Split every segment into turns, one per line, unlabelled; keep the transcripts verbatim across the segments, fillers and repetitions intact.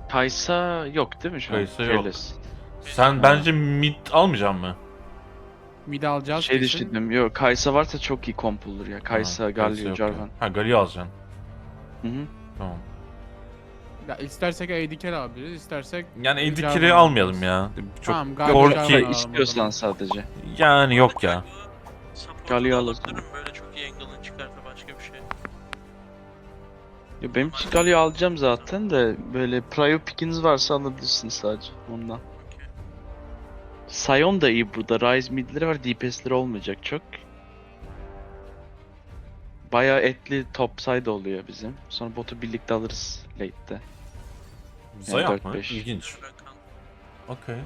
Kaysa yok değil mi şu an?
Kaysa yok.
Fearless.
Sen bence mid almayacaksın mı?
Mid alacağız
Şey
kesin.
düşündüm. Yok Kaysa varsa çok iyi komp olur ya. Kaysa,
Ha, Kaysa
Galio,
yok ya.
Jarvan.
Ha Galio alacaksın.
Hı hı.
Tamam.
Ya istersek A D carry alabiliriz, istersek...
Yani A D
Jarvan
carry almayalım ya. Çok
Tamam, Galio
Korki-
Jarvan
Şey
alalım o
istiyorsan
zaman.
sadece.
yani yok ya.
Galio alalım.
Böyle çok iyi angle'ın çıkarsa başka bir şey.
Ya benim için Galio alacağım zaten de böyle prio pick'iniz varsa alabilirsiniz sadece ondan.
Okey.
Sion da iyi burada. Ryze midleri var. D P S'leri olmayacak çok. Bayağı etli top side oluyor bizim. Sonra botu birlikte alırız late'de.
Zayıf
dört
mı?
beş.
İlginç.
Rakan.
Okey.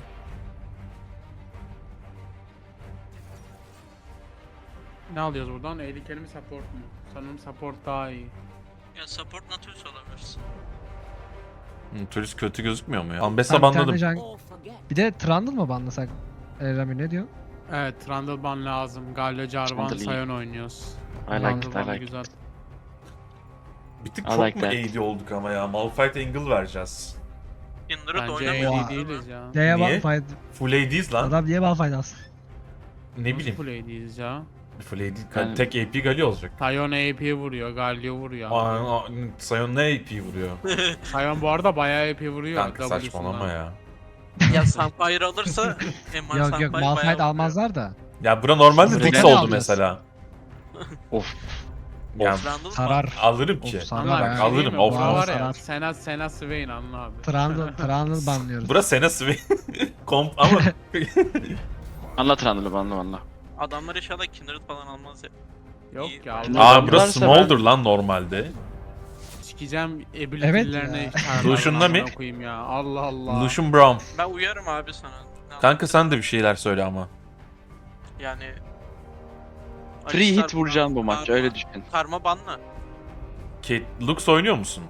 Ne alıyoruz buradan? A D carry mi support mu? Sanırım support daha iyi.
Ya support Nautilus alabilirsin.
Hmm, turist kötü gözükmüyor mu ya? Ambessa
Ben bir tane
banladım.
can- Bir de Trundle mı banlasak? E, Rami ne diyor?
Evet, Trundle ban lazım. Galio, Jarvan,
Trundle iyi.
Sion oynuyoruz.
I like it,
Trundle
I
banı
like
güzel.
it.
Bir tık
I
çok
like
mu
that.
A D olduk ama ya? Malphite angle vereceğiz.
Kindred
Bence
oynamayı
Oha.
A D değiliz ya.
Neye
Niye?
Malphite?
Full A D'yiz lan.
Adam niye Malphite alsın?
Ne bileyim.
Full A D'yiz ya.
Full A D.
Yani-
Tek A P Galio olacak.
Sion A P vuruyor, Galio vuruyor.
Aa, aa, Sion ne A P vuruyor?
Sion bu arada bayağı A P vuruyor.
Kanka
W'sundan.
saçmalama ya.
Ya Sunfire alırsa Eman
Yok
Sunfire
yok
bayağı
Malphite
vuruyor.
almazlar da.
Ya bura normalde
Şimdi
Dix
neden
oldu
alacağız?
mesela.
Of.
Ya
Trundle mı?
Sarar.
alırım ki.
Of, sarar
Anla,
ya.
bir şey
Alırım,
diyeyim mi?
of,
Bu
of.
var ya,
Sarar.
Sena, Sena Swain anla abi.
Trundle, Trundle banlıyoruz.
Bura Sena Swain. Komp ama
Anlat Randall'ı anla anla.
Adamlar inşallah Kindred falan almaz ya.
Yok
İyi.
ya.
Aa,
Allah
Aa bura
Varsa
Smolder
ben-
lan normalde.
sikeceğim
Evet
ability'lerine
ya.
çağırmadan
Lucian'la
amına
mı?
koyayım ya. Allah Allah.
Lucian Brown.
Ben uyarım abi sana. Ne
Kanka sen de bir şeyler söyle ama.
Yani...
Free
Alistar
hit vuracaksın bu
Karma-
maç öyle düşün.
Karma banla.
Kate Lux oynuyor musun?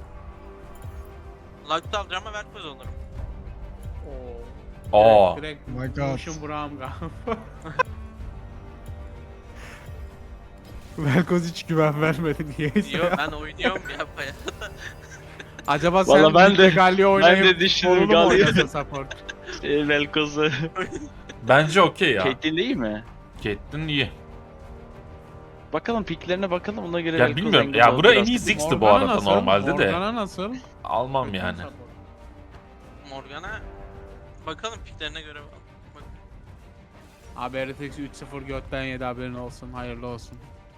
Lag'da alacağım ama Velkoz alırım.
Aa.
Direkt,
Oh my
direkt
God.
Lucian Brown galiba. Velkoz hiç güven vermedi niyeyse
Yo
ya.
ben oynuyorum ya bayağı.
Acaba sen
Vallahi ben
Lig'de
de-
Galio oynayıp
de düşündüm,
Solunu mu
Galio.
oynasın support?
E, Velkoz'u.
Bence okey ya.
Caitlyn değil mi?
Caitlyn iyi.
Bakalım picklerine bakalım ona göre
Ya
Velkoz
bilmiyorum.
angle
Ya
alır
bura en
biraz.
iyi Ziggs'ti bu
Morgana
arada
nasıl?
normalde de.
Morgana nasıl?
Almam
Kötü
yani.
support.
Morgana... Bakalım piklerine göre bak.
Abi R T X üç sıfır götten yedi haberin olsun. Hayırlı olsun.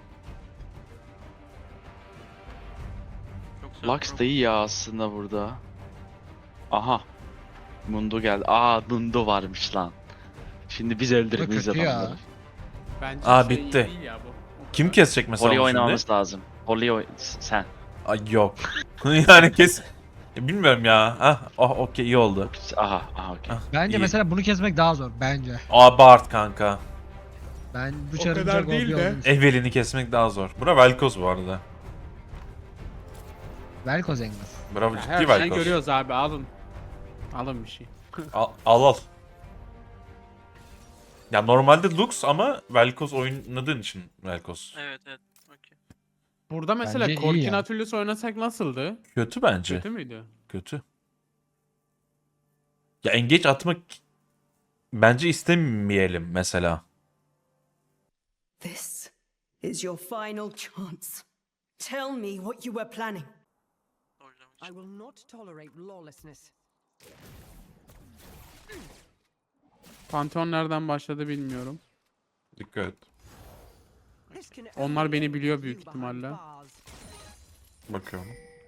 Çok güzel.
Lux da iyi ya aslında burada. Aha. Mundo geldi. Aa Mundo varmış lan. Şimdi biz öldürmeyiz
kötü ya.
adamları.
Bence
Aa,
şey
bitti.
iyi ya bu.
Kim kesecek mesela
Holly
onu şimdi?
oynamamız lazım. Holly oyn... Sen.
Ay yok. yani kes... Ya bilmiyorum ya. Ah, oh, okey iyi oldu.
Aha, aha okey.
Ah,
Bence
iyi.
mesela bunu kesmek daha zor bence.
Abart kanka.
Ben bu
O
çarın
kadar
çok
değil
O P
de.
olduğunu
Evelyn'i kesmek daha zor. Bura Velkoz bu arada.
Velkoz Engel.
Bravo
Ya
ciddi
her şeyi
Velkoz.
görüyoruz abi alın. Alın bir şey.
Al al. al. Ya normalde Lux ama Velkoz oynadığın için Velkoz.
Evet evet. Okey.
Burada mesela
Bence iyi
Corki
ya.
Nautilus oynasak nasıldı?
Kötü bence.
Kötü müydü?
Kötü. Ya engage atmak bence istemeyelim mesela.
This is your final chance. Tell me what you were planning.
Oynamak
I
için.
will not tolerate lawlessness.
Pantheon nereden başladı bilmiyorum.
Dikkat et.
This can
Onlar
only
beni
end
biliyor
with
büyük
you behind
ihtimalle.
bars.
Bakıyorum.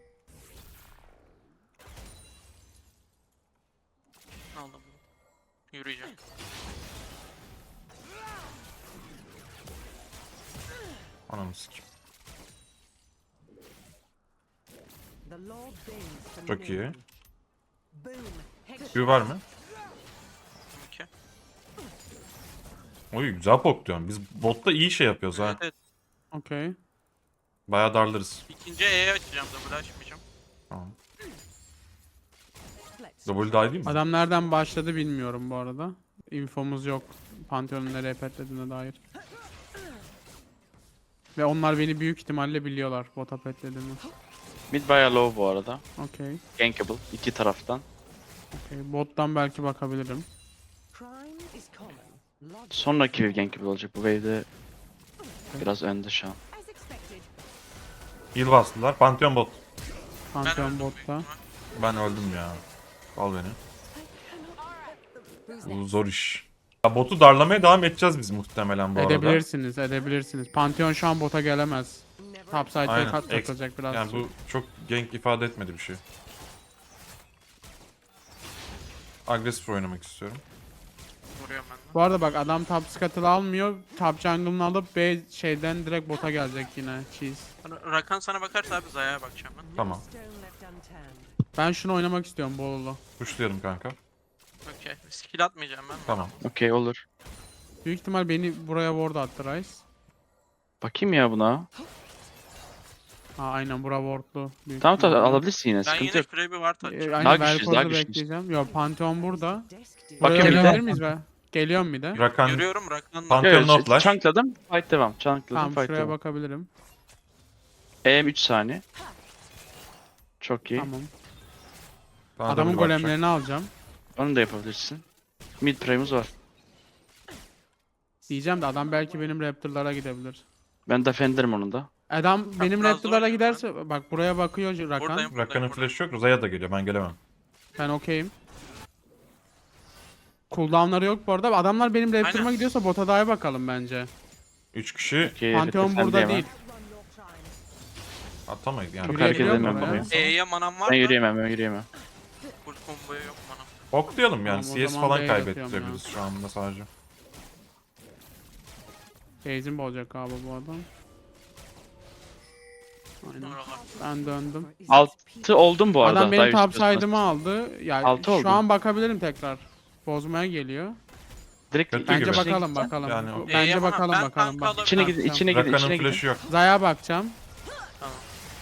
Aldım bunu. Yürüyeceğim.
Ananı sikeyim.
The Lord deigns to
Çok
no
iyi.
one. Boom. Hex-
Q var mı?
Okey.
Oy güzel pok diyorum. Biz botta iyi şey yapıyoruz ha.
Evet, evet.
Okey.
Bayağı darlarız.
İkinci E'ye açacağım double açmayacağım.
Tamam.
Let's
Double die değil mi?
Adam nereden başladı bilmiyorum bu arada. İnfomuz yok. Pantheon'un nereye petlediğine dair. Ve onlar beni büyük ihtimalle biliyorlar bota petlediğimi.
Mid bayağı low bu arada.
Okey.
Gankable iki taraftan.
Okey. Bottan belki bakabilirim.
Crime is common. Logic
Sonraki wave gankable olacak. Bu wave'de biraz önde şu an.
as expected.
Heal bastılar. Pantheon bot.
Ben
Pantheon
öldüm büyük
botta.
ihtimal.
Ben öldüm ya. Al beni.
Who's
Bu
next?
zor iş. Ya botu darlamaya devam edeceğiz biz muhtemelen bu arada.
Edebilirsiniz, edebilirsiniz. Pantheon şu an bota gelemez.
Never
Topside'e
Aynen.
kat
Ex-
atacak biraz.
Yani bu çok gank ifade etmedi bir şey. Agresif oynamak istiyorum.
Vuruyorum ben de.
Bu arada bak adam top scuttle almıyor. Top jungle'ını alıp B şeyden direkt bota gelecek yine. Cheese.
Ra- Rakan sana bakarsa abi Zaya'ya bakacağım ben.
no
Tamam.
stone left unturned.
Ben şunu oynamak istiyorum Bolulu.
Pushlayalım kanka.
Okey. Skill atmayacağım ben.
Tamam.
Okey olur.
Büyük ihtimal beni buraya ward attı Rice.
Bakayım ya buna.
Ha aynen bura wardlu. Büyük
Tamam tamam
ihtimalle.
alabilirsin yine
Ben
sıkıntı
yine
yok.
şuraya bir ward
Ee,
atacağım.
aynen
Daha güçlüyüz, daha
Velkoz'u
güçlüyüz.
bekleyeceğim. Yo Pantheon burada.
Desk dude.
Buraya
Bakayım bir de.
gelebilir miyiz be? Geliyorum bir de.
Rakan
Yürüyorum Rakan'la.
Pan- Pantheon no flash.
Chunkladım. Fight devam. Chunkladım
Tamam
fight
şuraya
devam.
bakabilirim.
E M üç saniye. Çok iyi.
Tamam.
bana
Adamın
double bakacak.
golemlerini alacağım.
Onu da yapabilirsin. Mid prime'ımız var.
Diyeceğim de adam belki benim Raptor'lara gidebilir.
Ben defenderim onu da.
Adam benim
biraz
Raptor'lara
zor ya.
giderse bak buraya bakıyor Rakan.
Buradayım, buradayım,
Rakan'ın
buradayım.
flash'ı yok. Zaya da geliyor. Ben gelemem.
Ben okeyim. Cooldown'ları yok bu arada. Adamlar benim Raptor'ıma
Aynen.
gidiyorsa bota dahi bakalım bence.
üç kişi
Okey,
Pantheon
defendeyim
burada
ha.
değil.
Run your crimes.
atamayız yani.
Çok hareket
Yürüyebiliyor mu
edemem
oraya?
buraya.
E'ye manam var
Ben
da.
yürüyemem ben yürüyemem.
Full combo'ya yok manam.
Oklayalım yani.
Tamam, o
C S
zaman
falan
B'ye atıyorum
kaybettirebiliriz şu anda sadece.
Base'im olacak abi bu adam. Aynen.
Oralar.
Ben döndüm.
Is
Altı oldum bu arada.
Adam benim
daha
top
istiyorsan.
side'ımı aldı. Yani
Altı
şu
oldu.
an bakabilirim tekrar. Bozmaya geliyor.
Direkt
Kötü
Bence
gibi.
bakalım bakalım.
Yani o-
Bence
E'ye
bakalım
manam- ben
bakalım.
tank
Bak.
alabilirim.
İçine gidin, içine gidin,
Rakan'ın
içine gidin.
flash'ı yok.
Zaya bakacağım.
Tamam.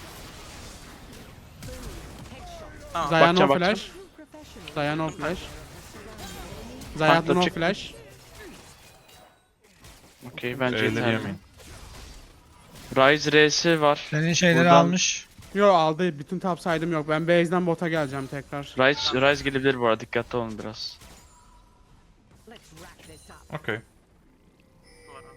Tamam.
Zaya
Bakacağım,
no
bakacağım.
flash. Zaya no flash. Zaya
Tankla
no
çık.
flash.
Okey bence
Şeyleri
yeterli.
yemeyin.
Ryze R'si var.
Senin şeyleri
Buradan-
almış.
Yo aldı. Bütün top side'ım yok. Ben base'den bota geleceğim tekrar.
Ryze, Ryze gelebilir bu arada. Dikkatli olun biraz.
Let's wrap this up.
Okey.
Var abi.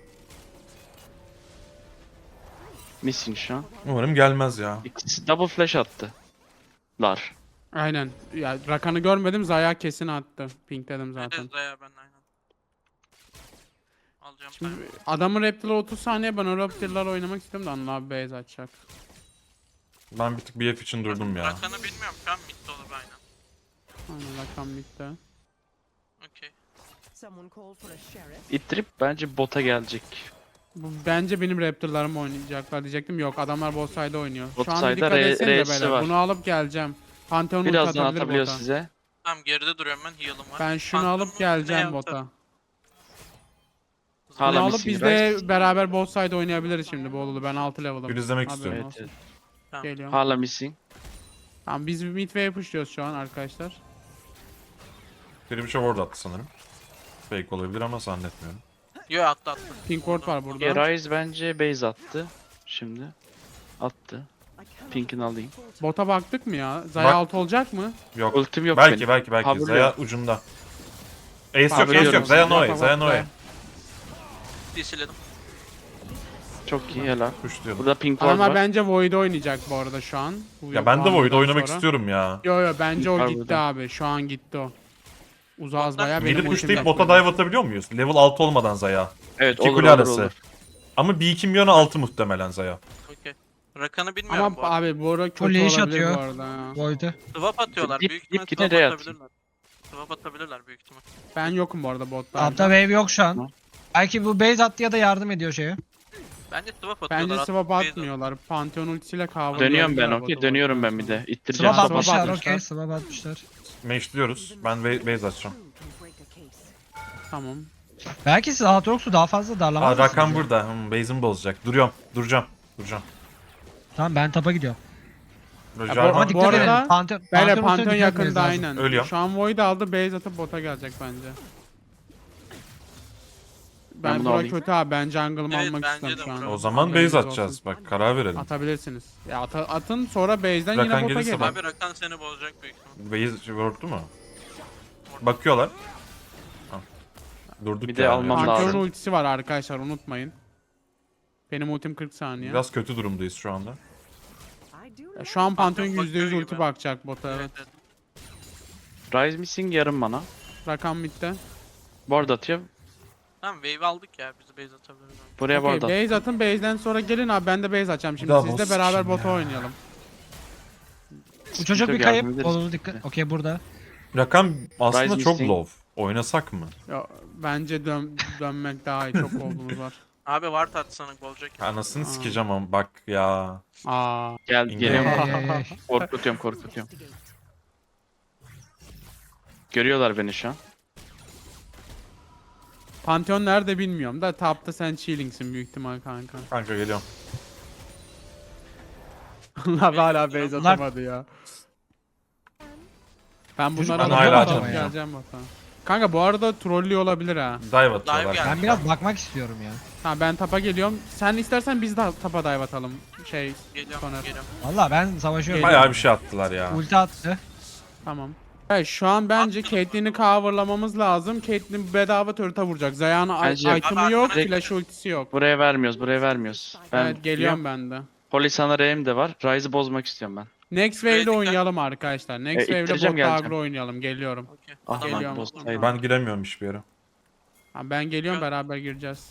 Missing şu an.
Umarım gelmez ya.
İkisi double flash attı. Lar.
Aynen. Ya Rakan'ı görmedim. Zaya kesin attı. Pink dedim
Bir de
zaten.
Zaya ben aynen. Alacağım
Şimdi
time.
adamın Raptor'la otuz saniye ben o Raptor'larla oynamak istiyorum da Anıl abi base açacak.
Ben bir tık B F için durdum ya.
Rakan'ı bilmiyorum şu an mid olur aynen.
Aynen Rakan bitti.
Okey.
Someone call for a sheriff.
İttirip bence bota gelecek.
Bu, bence benim Raptor'larım oynayacaklar diyecektim. Yok adamlar bot side oynuyor.
Bot
Şu an
side'da
dikkat
R-
etsenize
R'si
beyler.
var.
Bunu alıp geleceğim. Pantheon ulti
Birazdan
atabilir
atabiliyor
bota.
size.
Tamam geride duruyorum ben heal'ım var.
Ben şunu
Phantom'u
alıp
ne
geleceğim
yaptı?
bota.
Hala
Bunu alıp
missing
biz
Ryze.
de beraber bot side oynayabiliriz şimdi Bolulu. Ben altı level'ım.
Bir izlemek
Haberin
istiyorum.
olsun.
Evet, evet.
Geliyorum.
Hala missing.
Tamam biz mid wave pushluyoruz şu an arkadaşlar.
Biri bir şey ward attı sanırım. Fake olabilir ama zannetmiyorum.
Yo attı attı.
Pink ward var burada.
Okay, Ryze bence base attı. Şimdi. Attı.
I cannot
Pink'ini alayım.
Bota baktık mı ya? Zaya
Bak-
altı olacak mı?
Yok.
Ultim yok
belki
benim.
belki belki.
Haberi
Zaya
yok.
ucunda. Ace yok,
Haberi
Ace
yok.
yok. Zaya
Yok,
Noe,
yok,
Zaya
yok.
Noe.
Disiledim.
Çok iyi helal.
Pushlayalım.
Burada pink ward
Adamlar
var.
bence Void oynayacak bu arada şu an. Bu
Ya ben de
bu
Void
hamleden
oynamak
sonra.
istiyorum ya.
Yo yo bence o
Var
gitti
burada.
abi. Şu an gitti o. Uzağız bayağı benim
Mid'i
ultim
pushlayıp
yok
bota
burada.
dive atabiliyor muyuz? Level altı olmadan Zaya.
Evet
İki
olur
kule
olur
arası.
olur.
Ama B iki milyonu altı muhtemelen Zaya.
Okey. Rakan'ı bilmiyorum
Ama
bu arada.
abi bu arada kötü
Full leash
olabilir
atıyor.
bu arada ya.
Void'u.
Swap atıyorlar.
Dip-
büyük
dip
ihtimal
gidene
swap
de atayım.
atabilirler. Swap atabilirler büyük ihtimal.
Ben yokum bu arada botta.
Altta wave yok şu an.
Tamam.
Belki bu base attı ya da yardım ediyor şeye.
Bence swap atıyorlar.
Bence
at-
swap
base
atmıyorlar. Pantheon ultisiyle cover.
Dönüyorum ben okey. Dönüyorum ben bir de. İttireceğim.
Swap
swap
atmışlar
atmışlar.
okey. Swap atmışlar.
Mage'liyoruz. Ben ba- base açacağım.
Who can break a case?
Tamam.
Belki siz Aatrox'u daha fazla darlamaz
Aa
mısınız
Rakan
ya?
burada. Hmm, base'imi bozacak. Duruyorum. Duracağım. Duracağım.
Tamam ben tapa gidiyorum.
Roger
bu-
Ama
Bu
dikkat
arada-
edin. Pantheon,
Böyle
Pantheon ultisine
Pantheon
dikkat etmeniz
yakında
lazım.
aynen.
Ölüyorum.
Şu an Void aldı base atıp bota gelecek bence. Ben,
bunu
bura
alayım.
kötü abi. Ben jungle'ımı
Evet,
almak
bence
istiyorum
de
şu an.
bura.
O zaman
Haberiniz
base
olsun.
atacağız. Bak karar verelim.
Atabilirsiniz. Ya ata- atın sonra base'den
Rakan
yine bota
gelirse
gelin.
bak.
Abi Rakan seni bozacak büyük ihtimal.
Base word'u mu? Bakıyorlar. Ha. Durduk
Bir de
yani.
almam
Yapacak bir şey
Pantheon'un
yok.
ultisi var arkadaşlar unutmayın. Benim ultim kırk saniye.
Biraz kötü durumdayız şu anda.
I do
Ya
like
şu an Pantheon
Pantheon
yüzde yüz
bakıyor
ulti
gibi.
bakacak bota evet.
Evet, evet.
Rise missing yarım mana.
Rakam bitti.
Board atıyor.
Tamam wave aldık ya. Bizi base atabiliriz. abi.
Buraya
Okey
board at.
base atın base'den sonra gelin abi ben de base açacağım şimdi.
Double
Siz de beraber
skin
bota
ya.
oynayalım.
Bu çocuk bir
Yardım
kayıp.
ederiz.
Olur dikkat. Okey burada.
Rakam aslında
Rise
çok
missing.
low. Oynasak mı?
Ya, bence dön dönmek daha iyi çok olduğumuz var.
Abi ward atsana olacak.
Anasını
Aa.
sikeceğim ama bak ya.
Aa.
Gel
İndir.
geliyorum.
Ey, ey, ey.
Korkutuyorum korkutuyorum. Görüyorlar beni şu an.
Pantheon nerede bilmiyorum da tapta sen chilling'sin büyük ihtimal kanka.
Kanka geliyorum.
Allah hala base
Bunlar-
atamadı ya. Ben
Çocuk
bunlara
bana hala
da
atamayacağım.
geleceğim bota. Kanka bu arada trollü olabilir ha.
Dive atıyorlar.
geldi.
Ben biraz bakmak istiyorum ya.
Ha ben tapa geliyorum. Sen istersen biz de tapa dive atalım. Şey
Geliyorum
Soner.
geliyorum.
Valla ben savaşıyorum.
Bayağı bir şey attılar ya.
Ulti attı.
tamam. Evet şu an bence Caitlyn'i coverlamamız lazım. Caitlyn bedava turret'a vuracak. Zaya'nın
Bence-
item'ı
Abi
yok,
direkt-
flash ultisi yok.
Buraya vermiyoruz buraya vermiyoruz. Ben
Evet geliyorum ben de.
Polisana R'm de var. Rise'ı bozmak istiyorum ben.
Next wave'de
dikkat.
oynayalım arkadaşlar. Next
E,
wave'de
ittireceğim,
bot
geleceğim.
agro oynayalım. Geliyorum.
Okey.
Ah
Tamam.
lan
Geliyorum.
bozsaydım.
Ben giremiyorum hiçbir yere.
Ha, ben geliyorum beraber gireceğiz.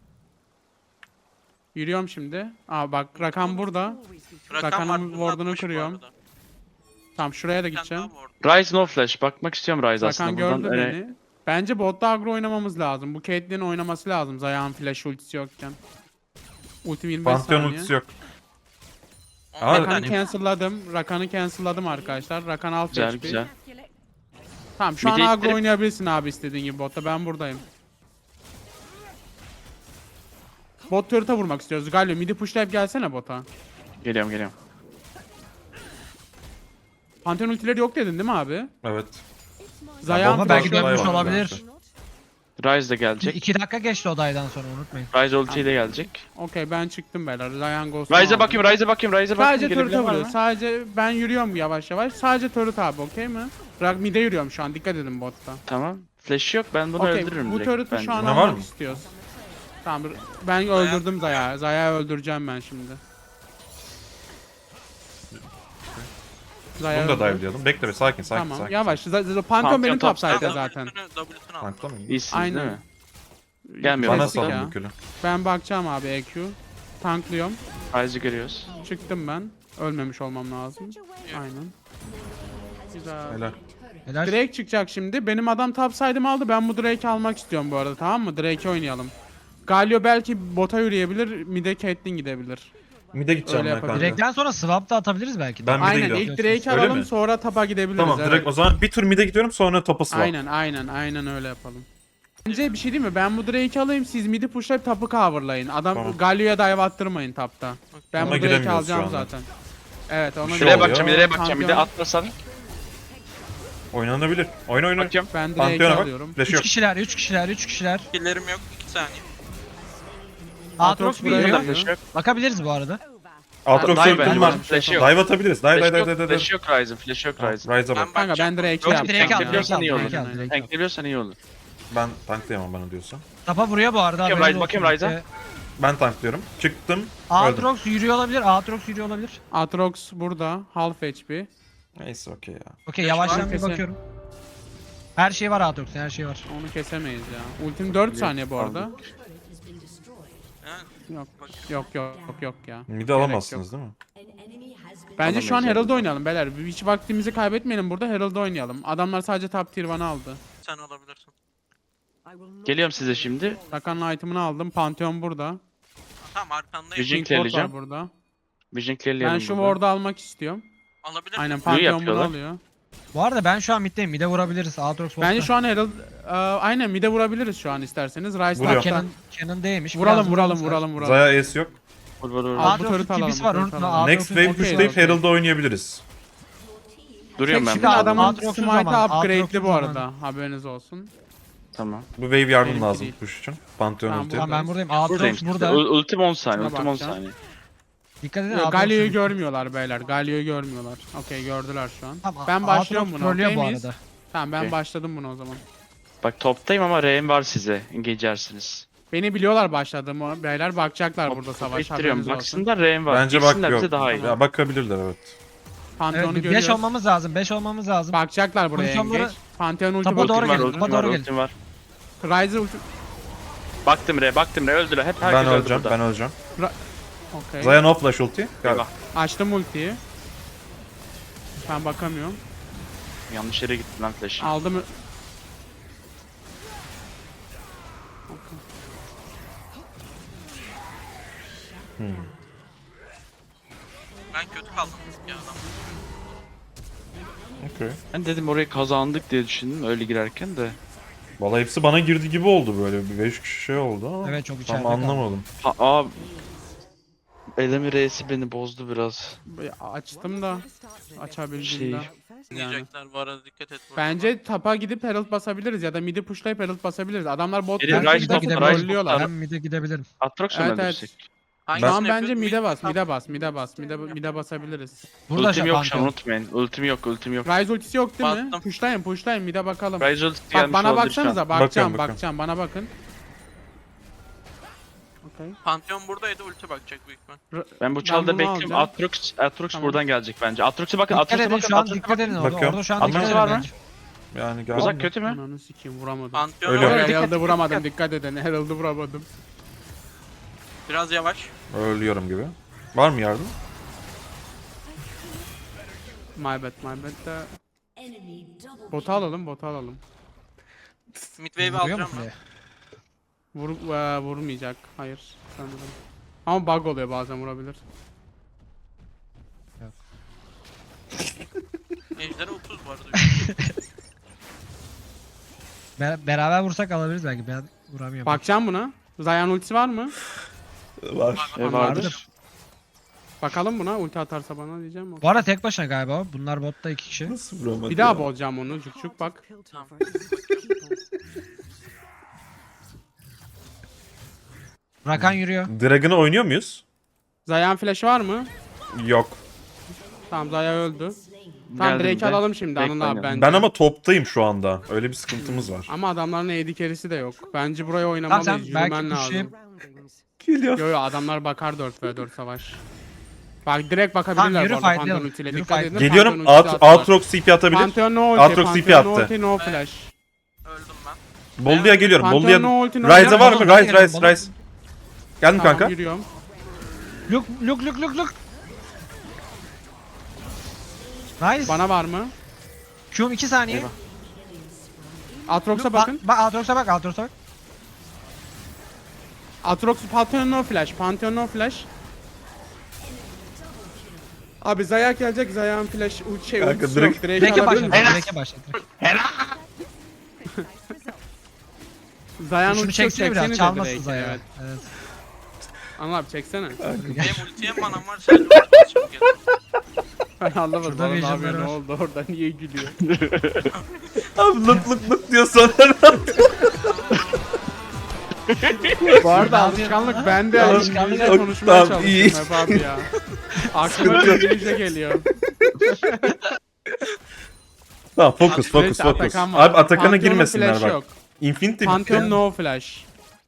Yürüyorum şimdi. Aa bak rakam burada.
always be true.
Rakan
Rakan'ın
ward'unu
ward'unu
atmış bu
kırıyorum.
arada.
Tamam şuraya da
Bir tane
gideceğim.
daha ward.
Rise no flash. Bakmak istiyorum Rise
Rakan
aslında. Buradan
gördü
öne-
beni. Bence botta agro oynamamız lazım. Bu Caitlyn'in oynaması lazım. Zayağın flash ultisi yokken. Ultim yirmi beş
Pantheon
saniye.
ultisi yok.
On
Aa,
bir
Rakan'ı
tane.
cancel'ladım. Rakan'ı cancel'ladım arkadaşlar. Rakan alt
Güzel
H P.
güzel.
Tamam şu
Bir
an
de
agro
ittirip-
oynayabilirsin abi istediğin gibi botta. Ben buradayım. Bot turret'a vurmak istiyoruz. Galio midi pushlayıp gelsene bota.
Geliyorum geliyorum.
Pantheon ultileri yok dedin değil mi abi?
Evet.
Zayağın
Ama belki
flash'ı-
dönmüş
var
olabilir.
Rise de gelecek.
İki dakika geçti odaydan sonra unutmayın.
Rise ulti de gelecek.
Okey ben çıktım beyler. Zayan Ghost.
Rise'e bakayım Rise'e bakayım Rise'e bakayım.
Sadece turret'a
Gelebilen var
vuruyor.
mı?
Sadece ben yürüyorum yavaş yavaş. Sadece turret abi okey mi? Rak mid'e yürüyorum şu an. Dikkat edin botta.
Tamam. Flash yok ben bunu
Okey
öldürürüm
bu
direkt
turret'ı
bence.
şu an
Ne var
almak
mı?
istiyoruz. Tamam ben öldürdüm Zaya. Zaya'yı öldüreceğim ben şimdi. Zaya
Bunu da
öldü.
dive'layalım. Bekle be sakin sakin
Tamam
sakin.
yavaş. Z- Z- Pantheon
Pantheon
benim
top
top side'de
side.
zaten.
W'sünü W'sünü al.
Tankla mı?
İyisiniz
Aynen.
değil mi? Gelmiyor.
Bana
Klasik
sal
ya.
bu külü.
Ben bakacağım abi E Q. Tanklıyorum.
Rise'ı görüyoruz.
Çıktım ben. Ölmemiş olmam lazım. Aynen. Güzel.
Helal.
Helal.
Drake çıkacak şimdi. Benim adam top side'ımı aldı. Ben bu Drake'i almak istiyorum bu arada tamam mı? Drake'i oynayalım. Galio belki bota yürüyebilir. Mid'e Caitlyn gidebilir.
Mid'e gideceğim
Öyle
ben kanka.
yapalım.
Direkten sonra swap da atabiliriz belki. de.
Ben mid'e
Aynen
gidiyorum.
ilk Drake'i
Öyle
alalım
mi?
sonra tapa gidebiliriz.
Tamam
evet.
direkt o zaman bir tur mid'e gidiyorum sonra topa swap.
Aynen aynen aynen öyle yapalım. Bence bir şey değil mi? Ben bu Drake'i alayım siz mid'i pushlayıp tapı coverlayın. Adam
Tamam.
Galio'ya dive attırmayın tapta. Ben
Ona
bu Drake'i
giremiyoruz
alacağım
şu anda.
zaten. Evet ona
şey
Şuraya
oluyor.
bakacağım nereye bakacağım. Bir de
Pantheon-
atlasan.
Oynanabilir. Oyna oyna.
Bakacağım.
Ben Drake'i
Pantheon'a bak.
alıyorum.
Flash
Üç
yok.
kişiler, üç kişiler, üç kişiler.
Killerim yok. iki saniye.
Aatrox
buraya
biliyor.
geliyor.
Flash yok.
Bakabiliriz bu arada.
Aatrox
Dive
ultim
bence
var.
var. Flash yok.
Dive atabiliriz. Dive dive
Flash
dive
yok.
dive dive.
Flash yok Rise'ın. Flash yok Rise'ın.
Rise'a
Ben
bak.
Kanka ben
bakacağım.
Drake'i
Yok,
yapacağım.
Drake'i al,
ya.
Drake'i al,
iyi olur.
Drake'i al, Drake'i al.
Tankleyebiliyorsan iyi olur.
Ben tanklayamam bana diyorsan.
Tapa vuruyor bu arada.
Bakayım
haberiniz
Ryze, bakayım
olsun.
Ryze'a.
Ee,
Ben tanklıyorum. Çıktım. Öldüm.
Aatrox yürüyor olabilir, Aatrox yürüyor olabilir.
Aatrox burada. Half H P.
Neyse okey ya.
Okey
Beş
yavaştan
var,
bir
kesin.
bakıyorum. Her şey var Aatrox'un, her şey var.
Onu kesemeyiz ya. Ultim dört saniye bu arada.
Ha,
Yok.
bak.
Yok yok yok yok ya.
Mid'i alamazsınız değil mi?
Bence şu an
Alamayız
Herald
yani.
oynayalım beyler. Hiç vaktimizi kaybetmeyelim burada. Herald oynayalım. Adamlar sadece top tier one aldı.
Sen alabilirsin.
I will not
Geliyorum size şimdi.
Rakan'ın item'ını aldım. Pantheon burada.
Tamam arkandayım.
Vision
King Ward var
clearleyeceğim.
burada.
Vision
Ben
clearleyelim
şu
burada.
ward'u almak istiyorum.
Alabilir
Aynen
miyim?
Pantheon bunu
yapıyorlar.
alıyor.
Bu arada ben şu an middeyim, mid'e vurabiliriz. Aatrox botta.
Bence şu an Herald e, aynen mid'e vurabiliriz şu an isterseniz. Rice
Vuruyor.
tapta.
Canon, Canon değmiş.
Vuralım
biraz
vuralım
vurmamız lazım.
vuralım vuralım.
Zaya Ace yok.
Vur vur vur.
Aa, bu
Aatrox'un
turret'ı alalım,
kibisi
bu
var
turret'ı
unutma.
alalım.
Next
Aatrox'un
wave
okey,
pushlayıp
okey.
Herald'da oynayabiliriz.
Duruyorum ben
Şimdi
Aa,
burada.
adamın
Aatrox'un
smite'ı
zamanı,
upgrade'li bu
Aatrox'un
arada. Haberiniz olsun.
Tamam.
Bu wave yardım
Benimki
lazım
değil.
push için. Pantheon
Tamam,
ulti.
bu-
Tamam ben buradayım.
Buradayım.
Aatrox burada.
Ul- Ultim on saniye.
Şuna
Ultim on
bakacağım.
saniye.
Dikkat edin.
Yok,
Aatrox'u-
Galio'yu görmüyorlar beyler. Galio'yu görmüyorlar. Okey gördüler şu an.
Tamam,
Ben başlıyorum
Aatrox
buna.
trollüyor
Okey
bu
miyiz?
arada.
Tamam ben
Okey.
başladım buna o zaman.
Bak toptayım ama R'm var size. Geçersiniz.
Beni biliyorlar başladığımı. Beyler bakacaklar burada savaş.
İttiriyorum.
Haberiniz olsun.
Baksınlar R'm var.
Bence
Girsinler
bak
bize
yok.
daha iyi.
Ya bakabilirler evet.
Pantheon'u
Evet,
görüyoruz.
beş olmamız lazım. beş olmamız lazım.
Bakacaklar buraya
Pozisyonları-
engage. Pantheon ulti
Tapa doğru
bakıyor.
Ultim var,
gelin,
ultim
topa
var,
doğru gelin.
ultim var.
Ryze ulti...
Baktım Re, baktım Re. Öldüler. Hep herkes
Ben
öldü
öleceğim,
burada.
ben öleceğim.
Okey.
Zayan off flash ulti. Gel.
Eyvah.
Açtım ultiyi. Ben bakamıyorum.
Yanlış yere gittim lan flash'ı.
Aldım.
Ben kötü kaldım ya adam.
Okey.
Ben dedim orayı kazandık diye düşündüm öyle girerken de.
Valla hepsi bana girdi gibi oldu böyle. Bir beş kişi şey oldu ama.
Evet, çok
Tam
içeride kaldı.
anlamadım.
Ha, aa, Elemi R'si beni bozdu biraz.
Açtım da. Açabildiğimde.
Şey-
Diyecekler bu arada dikkat et. burada.
Bence tapa gidip Herald basabiliriz ya da mid'i pushlayıp Herald basabiliriz. Adamlar bot
Biri
tankı
Ryze
gidip
top,
gidebiliriz.
Ryze
trollüyorlar.
Ben mid'e gidebilirim.
Atrox mu
Evet,
öldürsek?
Hangisini
Şu an bence
yapıyordun?
mid'e bas,
Tam-
mid'e bas, mid'e bas, mid'e mid'e basabiliriz.
Burada
Ultim
şey
yok şu an
Pantheon.
unutmayın. Ultim yok, ultim yok.
Ryze ultisi yok değil mi?
Bastım.
Pushlayın, pushlayın, mid'e bakalım.
Ryze ulti
Bak
gelmiş
bana
olabilir şu an.
baksanıza, bakacağım,
Bakıyorum, bakıyorum.
bakacağım, bana bakın. Okey.
Pantheon buradaydı ulti bakacak büyük ihtimal.
Ben bu
Ben
çalda
bunu
bekliyorum.
alacağım.
Atrox, Atrox
Tamam.
buradan gelecek bence. Atrox'a bakın,
Dikkat
Atrox'a
edin
bakın,
şu an,
Atrox'a
dikkat
bakın.
edin orada.
Bakıyorum.
Orada şu an
Anlaması
dikkat
var
edin
mı?
bence.
Yani gel.
Uzak kötü mü?
Ananı sikeyim vuramadım.
Pantheon
Öyle.
oraya-
Herald'ı vuramadım, dikkat edin. Herald'ı vuramadım.
Biraz yavaş.
Ölüyorum gibi. Var mı yardım?
My bad, my bad de. Botu alalım, botu alalım.
Midwave'i
Vuruyor mu
alacağım ben.
kuleye?
Vur, eee, vurmayacak, hayır sanırım. Ama bug oluyor bazen vurabilir.
Ejderha otuz bu arada.
Ber- beraber vursak alabiliriz belki. Ben vuramıyorum.
Bakacağım buna. Zayan ultisi var mı?
Var.
E,
Vardır.
vardır.
Bakalım buna, ulti atarsa bana diyeceğim.
Bu arada tek başına galiba. Bunlar botta iki kişi.
Nasıl vuramadı
Bir daha
ya?
bozacağım onu, cuk cuk bak.
Rakan yürüyor.
Dragon'ı oynuyor muyuz?
Zayan flash'ı var mı?
Yok.
Tamam Zaya öldü. Tamam
Geldim
Drake
de.
alalım şimdi
Drake
Anıl abi
oynayalım.
bence.
Ben ama toptayım şu anda. Öyle bir sıkıntımız var.
Ama adamların A D carry'si de yok. Bence buraya
Tamam
oynamalıyız.
sen belki
Yürümen lazım.
pushlayıp.
Geliyor.
Yo yo adamlar bakar dört ve dört savaş. Bak direkt
Tamam,
bakabilirler
yürü
bu arada
fightlayalım.
Pantheon ultiyle.
Yürü
Dikkat
fight-
edin.
Geliyorum.
Pantheon ultisi
Out,
attılar.
Outrox C P atabilir.
Pantheon no ulti.
Aatrox C P
Pantheon no
attı.
ulti no flash.
Öldüm ben.
Bollu'ya geliyorum.
Pantheon
Bollu'ya...
no ulti no
Ryze'a var mı?
Bollu,
Rise,
Bollu,
Rise,
Bollu.
Rise. Geldim
Tamam
kanka.
yürüyorum.
Look look look look look. Nice.
Bana var mı?
Q'um iki saniye.
Eyvah.
Aatrox'a
Ba-
bakın.
Bak Aatrox'a bak Aatrox'a bak.
Aatrox Pantheon no flash. Pantheon no flash. Abi Zaya gelecek. Zaya'nın flash ulti şey
Kanka,
ultisi
direkt-
yok. Direkt
Drake'e
alabilir
başladı.
misin?
Drake'e başladı.
Zaya'nın
Şunu
ultisi yok.
çeksene biraz.
Çeksenize
Çalmasın
Drake'i,
Zaya.
Evet.
Evet.
Anıl abi çeksene.
Hem ulti hem manam var. Sadece ulti çok geldi.
Ben anlamadım.
Şurada
Bana ne
vision'ları
yapıyor, ne
var.
oldu orada niye gülüyor?
Abi lık lık lık diyor sonra.
Bu arada alışkanlık bende.
Tamam,
İngilizce
tamam,
konuşmaya
tamam, iyi.
çalışıyorum hep abi ya. Aklıma İngilizce geliyor.
Tamam fokus
Neyse,
fokus fokus.
Atakan var.
Abi Atakan'a
Pantheon'un
girmesinler
flash
bak.
yok.
Infinity
Pantheon
bitti.
no flash.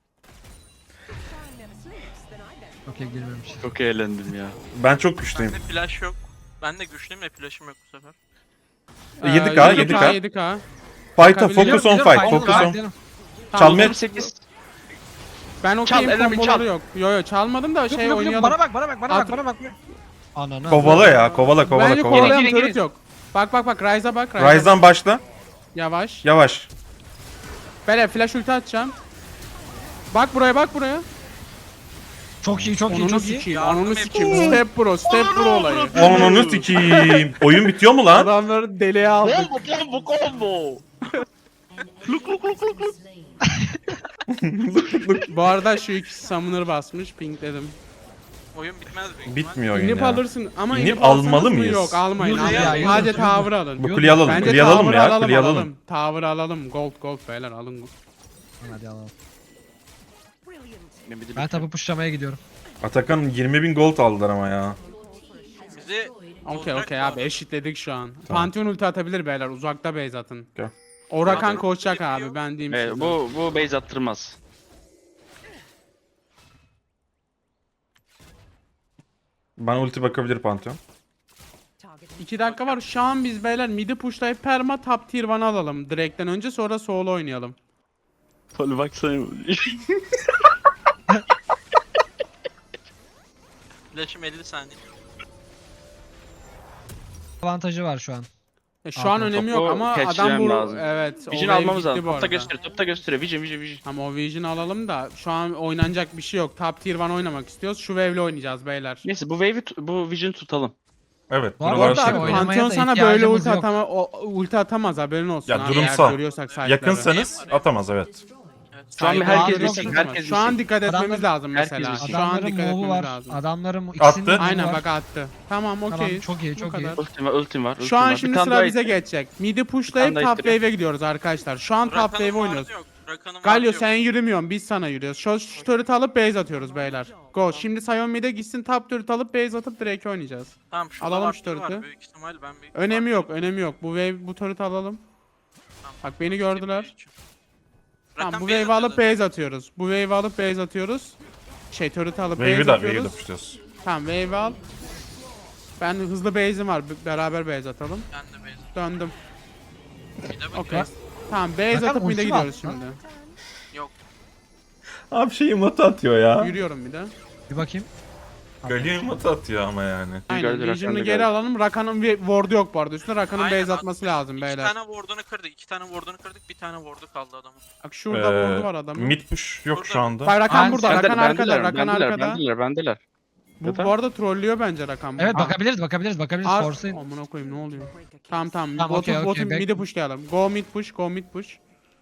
Okey girmemiş.
Çok eğlendim ya.
Ben çok güçlüyüm.
Bende flash yok. Ben de güçlüyüm de flash'ım yok bu sefer.
Ee,
yedi K, yedi K.
yedi K.
Fight'a
Bakabiliyor
focus on
Biliyorum,
fight.
biliyorum,
Focus on.
fightlayalım.
Tamam,
Çalmaya-
yirmi sekiz.
Ben okeyim
Çal, Elemi,
komboları
çal.
yok. Yo yo çalmadım da
Yok
şey
yok yok
oynayalım.
bana bak bana bak bana
At-
bak bana bak. Ananı.
Kovala ya. Kovala kovala
Bence
kovala.
kovalayan
Girin,
turret
girin.
yok. Bak bak bak Ryze'a bak. Ryze'a
Ryze'dan başla.
Yavaş.
Yavaş.
Böyle flash ulti atacağım. Bak buraya bak buraya.
Çok iyi çok iyi
Onunu
çok iyi.
sikeyim.
Yardım
Onunu
et.
sikeyim. Step bro. Step bro olayı.
Onunu sikiyim. Oyun bitiyor mu lan?
Adamları deliğe aldık.
Combo combo.
Bu arada şu ikisi summoner basmış. Ping dedim.
Oyun bitmez büyük ihtimal.
Bitmiyor oyun
İnip
ya.
alırsın ama
İnip
inip alsanız
almalı
mı?
mıyız?
Yok almayın.
Yürü
almayın.
ya, yürü,
Sadece
yürü.
tower alın.
Bu kuleyi alalım.
Bence
Kuleyi alalım
tower
ya.
alalım
Kuleyi
alalım.
alalım.
Tower alalım. Gold gold beyler alın.
Hadi alalım.
Brilliant.
Ben tabi pushlamaya gidiyorum.
Atakan yirmi bin gold aldılar ama ya.
Bizi
Okey
bozacak
okey
bu
abi
arada.
eşitledik şu an.
Tamam.
Pantheon ulti atabilir beyler uzakta base atın.
Gel.
O Rakan
Tamam.
koşacak abi ben diyeyim
Evet,
size.
bu bu base attırmaz.
Bana ulti bakabilir Pantheon.
Target
iki dakika var şu an biz beyler midi pushlayıp perma top tier one alalım. Direkten önce sonra solo oynayalım.
Tolu baksana.
Flash'ım elli saniye.
Avantajı var şu an.
E, şu an
Abi,
önemi
topu
yok ama adam
catchlemem
bu
lazım.
evet. o
Vision
wave
almamız
gitti
lazım.
bu
Topta
arada.
gösteriyor, topta gösteriyor. Vision, vision, vision.
Ama o Vision alalım da şu an oynanacak bir şey yok. Top tier one oynamak istiyoruz. Şu wave'le oynayacağız beyler.
Neyse bu wave'i tu- bu vision tutalım.
Evet.
Bu arada
Bu arada
Şey,
abi
oynamaya
Pantheon
da
sana böyle
ihtiyacımız
ulti
yok.
atama o, ulti atamaz haberin olsun.
Ya
abi,
durumsal.
eğer görüyorsak site'ları.
Yakınsanız atamaz evet.
Şu an
Hayır,
herkes
abi,
bilsin,
yok,
herkes
Şu an
bilsin.
dikkat etmemiz
Adamlar-
lazım
herkes
mesela.
bilsin.
Şu an
Adamların
dikkat
move'u
etmemiz
var.
lazım.
Adamların ikisinin
Attı.
move'u
Aynen
var.
bak attı. Tamam okey.
Tamam, çok iyi,
Bu
çok iyi.
kadar.
Ultim var, ultim var. ultim
Şu an
var. Bir
şimdi
tane
sıra
daha
bize
ittir.
geçecek. Midi
Bir
pushlayıp
tane daha
top
ittiriyor.
wave'e gidiyoruz arkadaşlar. Şu an top
Rakan'ın
wave
vardı
oynuyoruz.
yok. Rakan'ın
Galio
vardı
sen
yok.
yürümüyorsun biz sana yürüyoruz. Şu, şu turret'ı alıp base atıyoruz beyler. Go. Şimdi Sion mid'e gitsin top turret alıp base atıp direkt oynayacağız.
Tamam şurada
Alalım
var,
şu turret'ı.
var. Büyük ihtimal ben bir...
Önemi yok önemi yok. Bu wave bu turret'ı alalım.
Tamam.
Bak beni gördüler. Tamam
Rakan
bu
base
wave'i alıp
atıyordu.
base atıyoruz. Bu wave'i alıp base atıyoruz. Şey turret'ı alıp
Wave'i
base
de wave'i de
atıyoruz.
pushluyoruz.
Tamam wave'i al. Ben hızlı base'im var. b- Beraber base atalım.
Ben de base
Döndüm.
Bir de
Okey.
bakıyorum.
Tamam base
Rakan
atıp mid'e
ulti var
gidiyoruz
lan.
şimdi.
Yok.
Abi şey emote atıyor ya.
Yürüyorum bir de.
Bir bakayım.
Galio emote atıyor ama yani.
Aynen.
Gördü, Rakan
Vision'ı
da
geri
gördü.
alalım. Rakan'ın bir ward'u yok bu arada. Üstüne Rakan'ın
Aynen,
base atması lazım
İki
beyler.
tane ward'unu kırdık. iki tane ward'unu kırdık. Bir tane ward'u kaldı adamın.
Bak şurada
Ee,
ward'u var adamın.
Mid push yok şu anda.
Bak Rakan
Aynen,
burada.
sen
Rakan
Bendeler,
arkada.
bendeler,
Rakan
bendeler,
arkada.
bendeler, bendeler.
Bu, bu arada trollüyor bence Rakan.
Evet
Aa,
bakabiliriz bakabiliriz bakabiliriz.
Ar-
Force'ın.
Amına koyayım ne oluyor?
break a case.
Tamam tamam.
Tamam,
botu,
okey, okey,
botu
back-
mid'e pushlayalım. Go mid push, go mid push.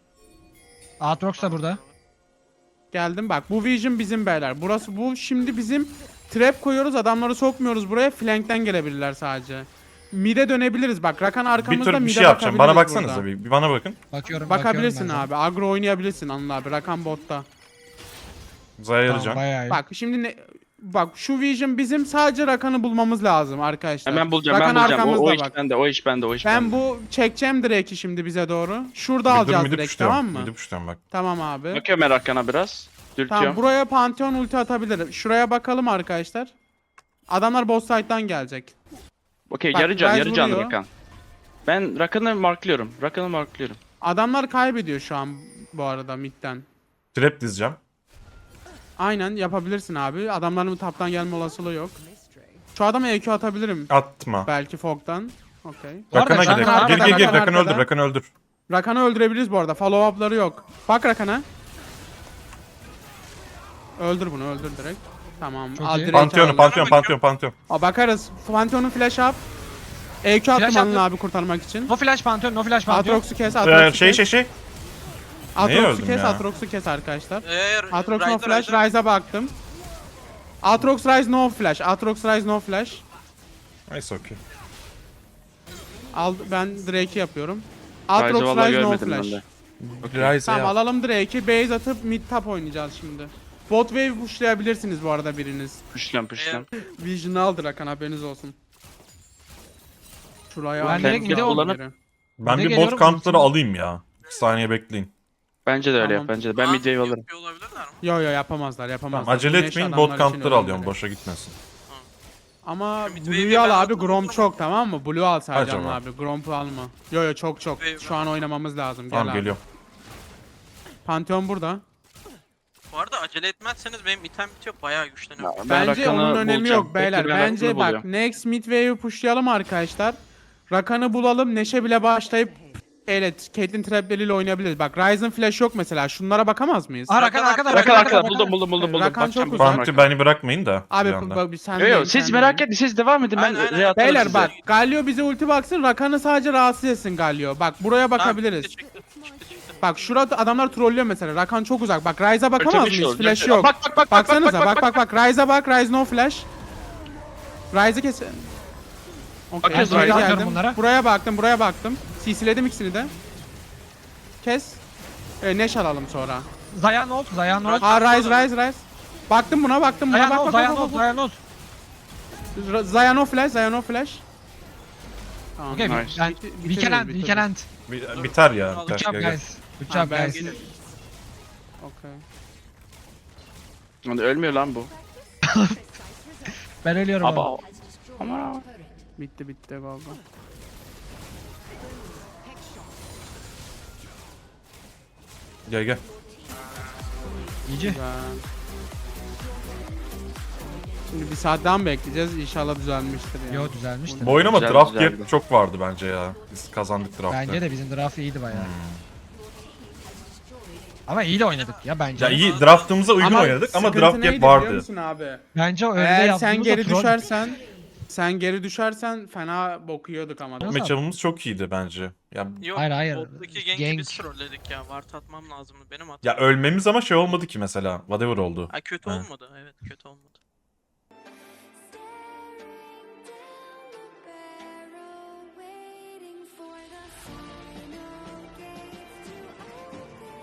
Aatrox da burada.
Geldim bak. Bu vision bizim beyler. Burası bu şimdi bizim trap koyuyoruz. Adamları sokmuyoruz buraya. Flankten gelebilirler sadece. Mid'e dönebiliriz. Bak Rakan
Bir
arkamızda
tur bir
mid'e
şey yapacağım. Bana
bakabiliriz
baksanıza
burada.
bir. Bir bana bakın.
Bakıyorum
Bakabilirsin
bakıyorum
abi. Agro oynayabilirsin Anıl abi. Rakan botta.
Zaya
ben. Tamam,
yarayacağım.
bayağı iyi.
Bak şimdi ne bak şu vision bizim sadece Rakan'ı bulmamız lazım arkadaşlar.
Hemen bulacağım,
Rakan
ben bulacağım. O, o
arkamızda
iş
bak.
bende, o iş bende, o iş
Ben
bende.
bu çekeceğim Drake'i şimdi bize doğru. Şurada
Bir dur
alacağız
midi
direkt
pushluyorum.
tamam mı?
Midi pushluyorum bak.
Tamam abi.
Bakıyorum ben Rakan'a biraz. Dürtüyorum.
Tamam buraya Pantheon ulti atabilirim. Şuraya bakalım arkadaşlar. Adamlar boss side'dan gelecek.
Okey,
Bak,
yarı can,
Ryze
yarı can
vuruyor.
Rakan. Ben Rakan'ı marklıyorum. Rakan'ı marklıyorum.
Adamlar kaybediyor şu an bu arada midden.
Trap dizeceğim.
Aynen yapabilirsin abi. Adamların taptan gelme olasılığı yok. Şu adama E Q atabilirim.
Atma.
Belki Fog'dan. Okey.
Bu arada
Rakan'a
Rakan
gidelim.
arkada,
Gir gir gir.
Rakan
Rakan'ı
arkada.
öldür. Rakan'ı öldür.
Rakan'ı öldürebiliriz bu arada. Follow up'ları yok. Bak Rakan'a. Öldür bunu öldür direkt. Tamam.
Çok
al
iyi.
direkt
Pantheon'u,
al.
Pantheon, Pantheon, Pantheon.
Aa, bakarız. Pantheon'un flash up. E Q attım
Flash
Anıl
attım.
abi kurtarmak için.
No flash Pantheon, no flash Pantheon.
Aatrox'u kes,
Ee,
Aatrox'u
şey
kes.
şey şey. Neye
Aatrox'u
öldüm
kes,
ya?
Aatrox'u kes arkadaşlar.
Eğer
Aatrox no
Ryder,
flash,
Ryder-
Ryze'a baktım. Aatrox Ryze no flash, Aatrox Ryze no flash.
Neyse okey.
Al ben Drake'i yapıyorum.
Ryze'ı
Aatrox
vallahi
Ryze no
görmedim ben
flash.
de.
Ryze'e
Tamam
yap.
alalım Drake'i, base atıp mid top oynayacağız şimdi. Bot wave pushlayabilirsiniz bu arada biriniz.
Püşlem püşlem.
Vision'ı aldı Rakan haberiniz olsun. Şuraya
Ben
al.
direkt
Geri
mid'e
al
kullanıp-
geri.
Ben
Ne
bir
geliyorum,
bot kampları
ultim-
alayım ya. Bir saniye bekleyin.
Bence de öyle
Tamam.
yap, bence de. Ben
Aa,
midwave alırım.
yapıyor olabilirler mi?
Yo yo yapamazlar yapamazlar.
Tamam acele
Güneş
etmeyin.
adamlar
Bot
için
kampları
önemli.
alıyorum. Boşa gitmesin.
Ama
Mid
Blue'yu
wave'i
al
ben
abi
aldım,
Grom
aldım.
çok tamam mı? Blue al sadece
Acaba.
Anıl abi. Gromp'u alma. Yo yo çok çok.
Wave-
Şu an oynamamız lazım. Gel
Tamam
abi.
geliyorum.
Pantheon burada.
Bu arada acele etmezseniz benim item bitiyor bayağı güçleniyor.
Ben
Bence
Rakan'ı
onun önemi
bulacağım.
yok beyler.
Bekle, ben
Bence
Rakan'ı
bak
buluyorum.
next mid wave'i pushlayalım arkadaşlar. Rakan'ı bulalım. Neşe bile başlayıp evet Caitlyn trapleriyle oynayabiliriz. Bak Ryzen flash yok mesela. Şunlara bakamaz mıyız?
Aa Rakan arkada,
Rakan
Rakan
arkada.
arkada.
Buldum buldum buldum. buldum.
Rakan
Bakacağım,
çok
bakacağım
uzak.
Pantheon beni bırakmayın da.
Abi
bir anda.
bu- bu- sen
Yo yo
değil,
siz
sen
merak
değil.
edin, siz devam edin, ben
Aynen, aynen.
re atarım
Beyler
size.
bak Galio bize ulti baksın. Rakan'ı sadece rahatsız etsin Galio. Bak buraya bakabiliriz.
Çıktı, çıktı, çıktı, çıktı.
Bak şurada adamlar trollüyor mesela. Rakan çok uzak. Bak Ryze'a bakamaz
Çok
mıyız?
iyi
Flash
oldu.
yok.
Bak bak bak bak
Baksanıza
bak
bak bak bak. Ryze'a bak. Ryze no flash. Ryze'ı kes. Okey.
Bakıyoruz
buraya
Ryze'a.
geldim.
Bunlara.
Buraya baktım. Buraya baktım. C C'ledim ikisini de. Kes. E, Neş alalım sonra.
Zayanot, Zayanot.
Ha Rise Rise Rise. Baktım buna baktım buna bak
Zayanot,
bak bak
Zayanot,
bak. bak.
Zayanot.
Ra- Zayano flash, Zayano flash. Tamam.
Okay,
Nice.
we, and,
Bitir-
we
bitiririz,
can end, we
bitiririz.
can end.
Bi- Biter ya.
Good
Good
Biter.
job
Gel, gel.
guys. Good
Ha,
job
ben-
guys.
Okay.
Lan ölmüyor lan bu.
Ben ölüyorum abi.
Aba. Ama.
Bitti bitti go go.
Gel gel.
İyice.
Güzel. Şimdi bir saat daha mı bekleyeceğiz? İnşallah düzelmiştir yani.
Yo düzelmişti.
Bu oyun ama
Güzel,
draft
güzeldi.
gap çok vardı bence ya. Biz kazandık draft'ı.
Bence de bizim draft iyiydi bayağı. Ama iyi de oynadık ya bence.
Ya iyi draftımıza uygun oynadık ama
sıkıntı
draft
neydi
gap
biliyor
vardı.
musun abi?
Bence öyle
Eğer
yaptığımızda
sen geri
troll.
düşersen sen geri düşersen fena bokuyorduk ama.
Nasıl?
Matchup'ımız çok iyiydi bence. Ya
Yok,
Hayır, hayır.
bottaki ganki
Gank.
biz trolledik ya. Ward atmam lazımdı. Benim hatam.
ya ölmemiz ama şey olmadı ki mesela. Whatever oldu.
Ha, kötü
Ha.
olmadı. Evet kötü olmadı.